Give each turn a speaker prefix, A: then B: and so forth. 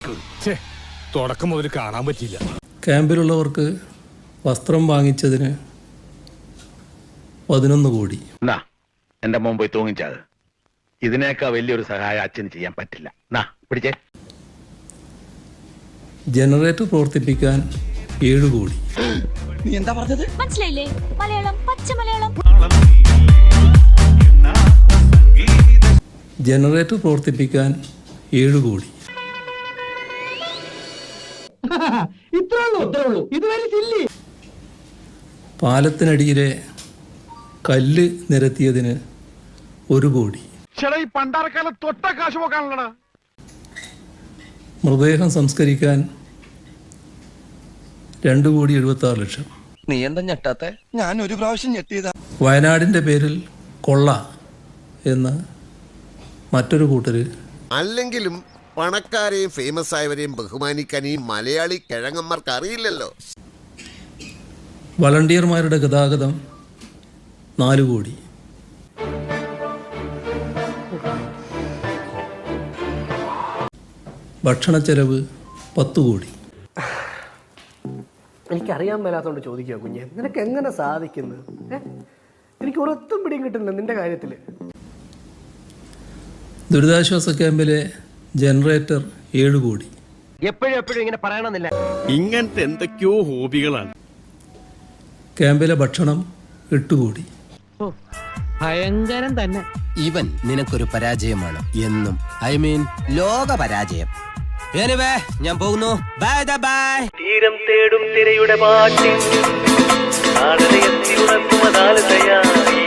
A: തുടക്കം മുതൽ കാണാൻ പറ്റില്ല.
B: ക്യാമ്പിലുള്ളവർക്ക് വസ്ത്രം വാങ്ങിച്ചതിന് 11 കോടി.
C: എന്റെ മോൻ പോയി തൂങ്ങിച്ചത്. ഇതിനേക്കാൾ വലിയൊരു സഹായം അച്ഛന് ചെയ്യാൻ പറ്റില്ല. പിടിച്ചേ.
B: ജനറേറ്റർ പ്രവർത്തിപ്പിക്കാൻ 7 കോടി.
D: നീ എന്താ പറഞ്ഞത്?
E: മനസ്സിലായില്ലേ? മലയാളം, പച്ച മലയാളം.
B: ജനറേറ്റർ പ്രവർത്തിപ്പിക്കാൻ 7 കോടി. പാലത്തിനടിയിലെ കല്ല് നിരത്തിയതിന് 1 കോടി. മൃതദേഹം സംസ്കരിക്കാൻ 2,76,00,000.
D: നീ എന്താ ഞെട്ടാത്തെ? ഞാൻ ഒരു പ്രാവശ്യം ഞെട്ടിയതാ.
B: വയനാടിൻ്റെ പേരിൽ കൊള്ള എന്ന് മറ്റൊരു കൂട്ടര്.
F: അല്ലെങ്കിലും പണക്കാരെയും ഫേമസ് ആയവരെയും ബഹുമാനിക്കാൻ ഈ മലയാളി കിഴങ്ങന്മാർക്ക് അറിയില്ലല്ലോ.
B: വളണ്ടിയർമാരുടെ ഗതാഗതം 4 കോടി. ഭക്ഷണച്ചെലവ് 10 കോടി.
G: എനിക്കറിയാൻ മേലാത്തോണ്ട് ചോദിക്കുക കുഞ്ഞെ, നിനക്ക് എങ്ങനെ സാധിക്കുന്നു? എനിക്ക് ഒരൊത്തും പിടിയും കിട്ടുന്നില്ല നിന്റെ കാര്യത്തിൽ.
B: ദുരിതാശ്വാസ ക്യാമ്പിലെ ജനറേറ്റർ 7 കോടി.
G: എപ്പോഴും ഇങ്ങനെ പറയണമെന്നില്ല.
A: ഇങ്ങനത്തെ എന്തൊക്കെയോ ഹോബികളാണ്.
B: ക്യാമ്പിലെ ഭക്ഷണം 8 കോടി.
G: ഭയങ്കരം തന്നെ.
H: ഇവൻ നിനക്കൊരു പരാജയമാണ് എന്നും. ഐ മീൻ ലോക പരാജയം. ഞാൻ പോകുന്നു. Bye bye.
I: തീരം തേടും തിരയുടെ പാട്ടിൽ